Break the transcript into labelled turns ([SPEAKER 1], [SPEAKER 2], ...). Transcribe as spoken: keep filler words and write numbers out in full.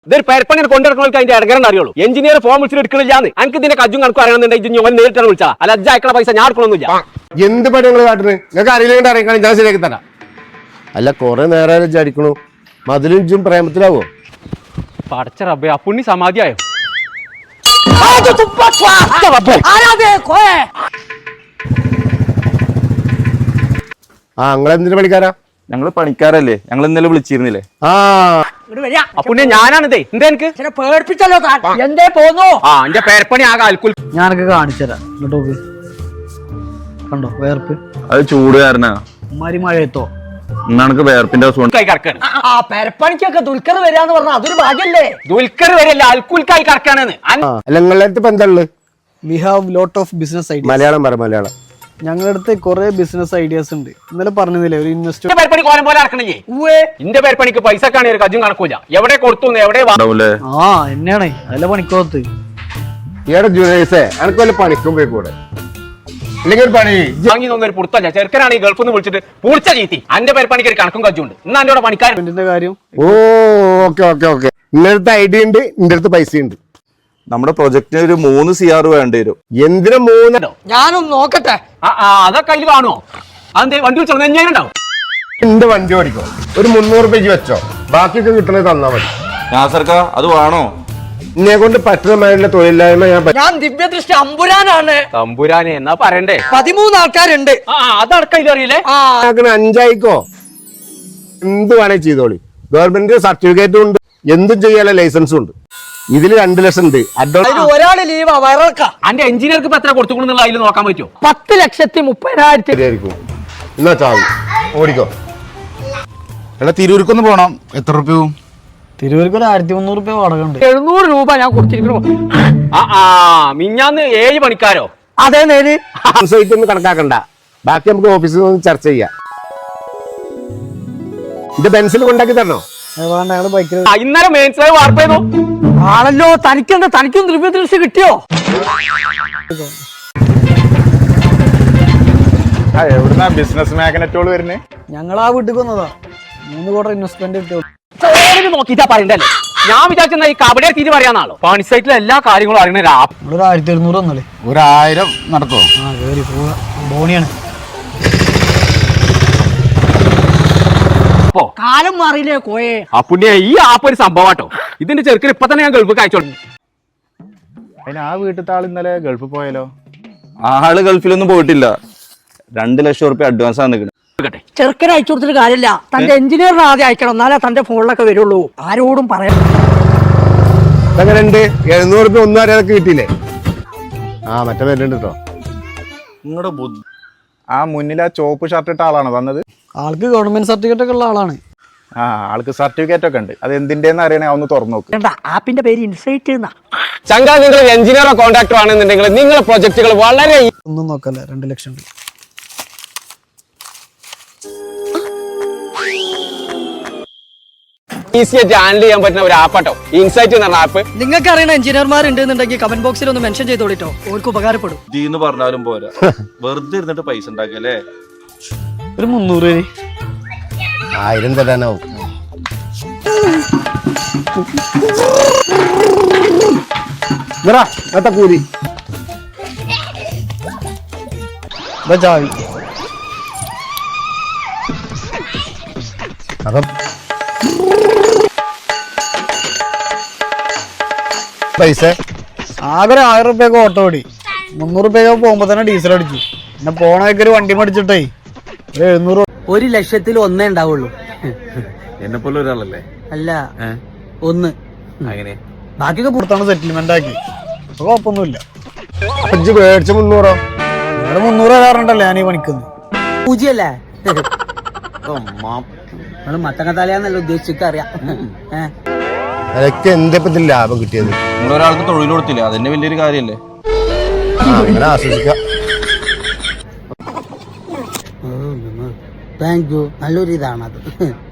[SPEAKER 1] ഇതൊരു പെരപ്പണി കൊണ്ടിടക്കണവർക്ക് അതിന്റെ ഇടകരം അറിയുള്ളൂ. എഞ്ചിനീയർ ഫോം വിളിച്ചിട്ട് എടുക്കണില്ലാന്ന് എനിക്ക് ഇതിന്റെ കജ്ജും കണക്കും അറിയണമെന്നുണ്ടെങ്കിൽ ഞാൻ നേരിട്ടാണ് വിളിച്ചാ. അല്ല അജ്ജ അയക്കണ പൈസ ഞാൻ എടുക്കണമെന്നില്ല.
[SPEAKER 2] എന്ത് പണി നിങ്ങൾ കാട്ടുന്നത്? നിങ്ങൾക്ക് അറിയില്ലെങ്കിൽ അറിയിക്കാൻ ഞാൻ ശരിയാക്കി തരാം. അല്ല കുറെ നേരം വിചാരിക്കണു മതിലും ഇഞ്ചും പ്രേമത്തിലാവോ?
[SPEAKER 1] പടച്ച റബ്ബേ ആ പുണ്ണി സമാധിയായോ?
[SPEAKER 2] ആ നിങ്ങളെന്തിനു പണിക്കാരാ?
[SPEAKER 3] ഞങ്ങള് പണിക്കാരല്ലേ, ഞങ്ങൾ ഇന്നലെ വിളിച്ചിരുന്നില്ലേ?
[SPEAKER 2] ആ
[SPEAKER 1] പുണ്യ ഞാനാണിതേ. എന്താ എനിക്ക്
[SPEAKER 4] പേടിപ്പിച്ചല്ലോ എന്തേ പോന്നു?
[SPEAKER 1] ആ എന്റെ പേരപ്പണി ആകെ അൽക്കുൽ.
[SPEAKER 4] ഞാനൊക്കെ കാണിച്ചുതരാം. ഇങ്ങോട്ട് കണ്ടോ വേർപ്പ്?
[SPEAKER 3] അത് ചൂട് കാരനാ.
[SPEAKER 4] മരി മഴയത്തോ
[SPEAKER 3] ഇന്നാണ് വേർപ്പിന്റെ
[SPEAKER 4] ആ പെരപ്പണിക്കൊക്കെ ദുൽഖർ വരാന്ന് പറഞ്ഞാൽ അതൊരു ഭാഗ്യല്ലേ?
[SPEAKER 1] ദുൽഖർ വരില്ല, അൽക്കുൽക്കായി കറക്കാണെന്ന്.
[SPEAKER 2] നിങ്ങളുടെ അടുത്ത് ഇപ്പൊ എന്താ ഉള്ളത്?
[SPEAKER 4] We have lot of business idea.
[SPEAKER 2] Malayalam പറ മലയാളം.
[SPEAKER 4] ഞങ്ങളുടെ അടുത്ത് കുറെ ബിസിനസ് ഐഡിയാസ് ഉണ്ട്. ഇന്നലെ പറഞ്ഞില്ലേ ഒരു ഇൻവെസ്റ്റർ
[SPEAKER 1] പേരപ്പണി കോലം പോലെ ഇറക്കണില്ലേ? എന്റെ പേരപ്പണിക്ക് പൈസ കാണി ഒരു കജ്ജും കണക്കൂല. എവിടെ കൊടുത്തു എവിടെ
[SPEAKER 4] ആ എന്നെയാണ് അതല്ല പണിക്കോത്ത്.
[SPEAKER 2] ഏടെ ജൂനിയേഴ്സേ എനക്ക് വല്ല പണിക്കും പോയി കൂടെ ഇല്ലെങ്കിൽ ഒരു പണി
[SPEAKER 1] വാങ്ങി തോന്നൊരു പുറത്തല്ല. ചെറുക്കനാണ് ഈ ഗൾഫിൽ നിന്ന് വിളിച്ചിട്ട് പൂളിച്ച ചീത്തി. എന്റെ പേരപ്പണിക്ക് ഒരു കണക്കും കജ്ജുണ്ട്. ഇന്ന് എന്റെ പണിക്കാരൻ
[SPEAKER 4] കാര്യം.
[SPEAKER 2] ഓ ഓക്കെ ഓക്കെ ഓക്കെ നിന്റെ അടുത്ത് ഐഡിയ ഉണ്ട്, നിന്റെ അടുത്ത് പൈസ ഉണ്ട്.
[SPEAKER 3] നമ്മുടെ പ്രൊജക്ടിന് ഒരു മൂന്ന് സി ആർ വേണ്ടി വരും.
[SPEAKER 2] എന്തിനാ മൂന്നോ?
[SPEAKER 4] ഞാനൊന്ന് നോക്കട്ടെ.
[SPEAKER 1] അതൊക്കെ അതിൽ കാണുമോ? അതെന്തേ വണ്ടി വിളിച്ചോ? ഞാനുണ്ടാവും.
[SPEAKER 2] എന്റെ വണ്ടി ഓടിക്കോ. ഒരു മുന്നൂറ് രൂപയ്ക്ക് വെച്ചോ, ബാക്കിയൊക്കെ കിട്ടണത് തന്നാ മതി.
[SPEAKER 3] നാസർക്ക അത് വേണോ?
[SPEAKER 2] എന്നെ കൊണ്ട് പറ്റുന്ന മാതിരിയുള്ള തൊഴിലില്ലായ്മ ഞാൻ
[SPEAKER 4] ഞാൻ ദിവ്യദൃഷ്ടി അമ്പുരാനാണ്.
[SPEAKER 1] തമ്പുരാനെ എന്നാ പറയണ്ടേ?
[SPEAKER 4] പതിമൂന്ന് ആൾക്കാരുണ്ട്.
[SPEAKER 1] ആ അതടക്കം ഇതറിയില്ലേ?
[SPEAKER 2] അഞ്ചായിക്കോ എന്ത് വേണേ ചെയ്തോളി. ഗവൺമെന്റ് സർട്ടിഫിക്കറ്റും ഉണ്ട്, എന്തും ചെയ്യാനുള്ള ലൈസൻസും ഉണ്ട്. ഇതിൽ രണ്ട് ലക്ഷം ഉണ്ട്.
[SPEAKER 4] ഒരാള് ലീവാ വയറക്ക.
[SPEAKER 1] എന്റെ എഞ്ചിനീയർക്ക് ഇപ്പൊ എത്ര കൊടുത്തുകൊണ്ടെന്നുള്ള അതിൽ നോക്കാൻ പറ്റുമോ?
[SPEAKER 4] പത്ത് ലക്ഷത്തി മുപ്പതിനായിരത്തി
[SPEAKER 2] ആയിരിക്കും. എന്നാ ചാവി ഓടിക്കോ.
[SPEAKER 3] എടാ തിരൂർക്കൊന്ന് പോണം. എത്ര റുപ്യവും?
[SPEAKER 4] തിരുവനന്തപുരത്ത് ഒരു ആയിരത്തി മുന്നൂറ് രൂപ വാടക ഉണ്ട്.
[SPEAKER 1] എഴുന്നൂറ് രൂപ ഞാൻ കൊടുത്തിരിക്കണു. ആ ആ മിഞ്ഞാന്ന് ഏഴ് പണിക്കാരോ?
[SPEAKER 4] അതെ നേര്.
[SPEAKER 2] സൈറ്റ് ഒന്നും കണക്കാക്കണ്ട, ബാക്കി നമുക്ക് ഓഫീസിൽ നിന്ന് ചർച്ച ചെയ്യാം. ഇത് ബെൻസിൽ കൊണ്ടാക്കി തരണോ?
[SPEAKER 4] ബൈക്കിൽ
[SPEAKER 1] ഇന്നലെ മെയിൻസ് വാർപ്പ് ചെയ്തു
[SPEAKER 4] ആണല്ലോ. തനിക്കെന്താ തനിക്കും ദിവ്യദൃഷ്ടി കിട്ടിയോ?
[SPEAKER 3] എവിടുന്നാ ബിസിനസ് മാഗ്നറ്റോള് വരുന്നേ?
[SPEAKER 4] ഞങ്ങൾ ആ വീട്ടിൽ വന്നതാ. മൂന്ന് കോടി ഇൻവെസ്റ്റ്മെന്റ് കിട്ടിയോ?
[SPEAKER 1] നോക്കിട്ടാ പറയണ്ടല്ലേ. ഞാൻ വിചാരിച്ച ഈ കബഡിയെ തീര് പറയാന്നാളോ. പണി സൈറ്റിലെ എല്ലാ കാര്യങ്ങളും അറിയണ
[SPEAKER 4] ഒരു ആയിരത്തി എഴുന്നൂറ് വന്നല്ലേ?
[SPEAKER 3] ഒരായിരം നടത്തുമോ?
[SPEAKER 4] ആ കേറി പോവാ. ബോണിയാണ് കാലം മാറിയില്ലേ കോയെ?
[SPEAKER 1] ആ പുണ്യ ഈ ആപ്പ് ഒരു സംഭവട്ടോ. ഇതിന്റെ ചെറുക്കിന് ഇപ്പൊ തന്നെ ഞാൻ ഗൾഫ് അയച്ചോളൂ.
[SPEAKER 3] അതിന് ആ വീട്ടിലത്തെ ആൾ ഇന്നലെ ഗൾഫിൽ പോയാലോ? ആള് ഗൾഫിലൊന്നും പോയിട്ടില്ല. രണ്ട് ലക്ഷം റുപ്യ അഡ്വാൻസ് ആണ് നിൽക്കുന്നത്.
[SPEAKER 4] ചെറുക്കനെ അയച്ചു കൊടുത്തിട്ട് കാര്യമില്ല. തന്റെ എഞ്ചിനീയറിനെ ആദ്യം അയക്കണം, എന്നാലേ തന്റെ ഫോണിലൊക്കെ വരുള്ളൂ. ആരോടും പറയാം.
[SPEAKER 2] എങ്ങനെയുണ്ട്? എഴുന്നൂറ് രൂപ ഒന്നും അറിയാതൊക്കെ കിട്ടിയില്ലേ? ആ മറ്റേ വരുന്നുണ്ട് കേട്ടോ.
[SPEAKER 3] നിങ്ങളുടെ ബുദ്ധി. ആ മുന്നിൽ ആ ചോപ്പ് ഷർട്ട് ഇട്ട ആളാണ് വന്നത്.
[SPEAKER 4] ആൾക്ക് ഗവൺമെന്റ് സർട്ടിഫിക്കറ്റ് ഒക്കെ ഉള്ള ആളാണ്.
[SPEAKER 3] ആ ആൾക്ക് സർട്ടിഫിക്കറ്റ് ഒക്കെ ഉണ്ട്. അത് എന്തിന്റെന്ന് അറിയണേ ഒന്ന് തുറന്നു നോക്ക്.
[SPEAKER 4] ആപ്പിന്റെ പേര് ഇൻസൈറ്റ്.
[SPEAKER 1] ചങ്കാ നിങ്ങൾ എഞ്ചിനീയറോ കോൺട്രാക്ടറോ ആണെന്നുണ്ടെങ്കിൽ നിങ്ങളുടെ പ്രൊജക്ടുകൾ വളരെ
[SPEAKER 4] ഒന്നും നോക്കല്ലേ. രണ്ട് ലക്ഷം
[SPEAKER 1] ഈസി ആയിട്ട് ഹാൻഡിൽ ചെയ്യാൻ പറ്റുന്ന ഒരു ആപ്പാട്ടോ ഇൻസൈറ്റ് എന്ന് പറഞ്ഞ ആപ്പ്.
[SPEAKER 4] നിങ്ങൾക്ക് അറിയുന്ന എഞ്ചിനീയർമാർ ഉണ്ടെന്നുണ്ടെങ്കിൽ കമന്റ് ബോക്സിൽ ഒന്ന് മെൻഷൻ ചെയ്തോളിട്ടോ. അവർക്ക് ഉപകാരപ്പെടും.
[SPEAKER 3] ഇന്ന് പറഞ്ഞാലും പോരാ, വെറുതെ ഇരുന്നിട്ട് പൈസ ഉണ്ടാക്കല്ലേ.
[SPEAKER 4] ഒരു മുന്നൂറ് പേര്
[SPEAKER 2] ആയിരം തരാനാവും. കൂലി
[SPEAKER 4] ചാവി.
[SPEAKER 2] അപ്പം പൈസ
[SPEAKER 4] ആകെ ഒരു ആയിരം റുപ്യൊക്കെ ഓട്ടോ ഓടി. മുന്നൂറ് റുപ്യൊക്കെ പോകുമ്പോ തന്നെ ഡീസൽ അടിച്ചു. പിന്നെ പോണൊക്കെ ഒരു വണ്ടി മേടിച്ചിട്ടേ ഒരു എഴുന്നൂറ്. ഒരു ലക്ഷത്തിൽ ഒന്നേ ഉണ്ടാവുള്ളൂ.
[SPEAKER 3] എന്നെ പോലെ ഒരാളല്ലേ?
[SPEAKER 4] അല്ല ഒന്ന്.
[SPEAKER 3] അങ്ങനെ
[SPEAKER 4] ബാക്കിയൊക്കെ പുറത്താണ് സെറ്റിൽമെന്റ് ആക്കി. അപ്പൊ കുഴപ്പമൊന്നുമില്ല.
[SPEAKER 2] അഞ്ച് മേടിച്ച മുന്നൂറോ?
[SPEAKER 4] നിങ്ങള് മുന്നൂറ് തരാറുണ്ടല്ലേ ഞാൻ ഈ പണിക്കുന്നത്? പൂജ്യല്ലേ? മത്തങ്ങത്താലയാന്നല്ല ഉദ്ദേശിച്ചൊക്കെ അറിയാം.
[SPEAKER 2] അതൊക്കെ എന്തെപ്പത്തിൽ ലാഭം കിട്ടിയത്?
[SPEAKER 3] നിങ്ങളൊരാൾക്ക് തൊഴിൽ കൊടുത്തില്ല, അതെന്നെ വലിയൊരു കാര്യല്ലേ?
[SPEAKER 2] അങ്ങനെ ആസ്വദിക്കാം.
[SPEAKER 4] Thank you. നല്ലൊരു ഇതാണത്.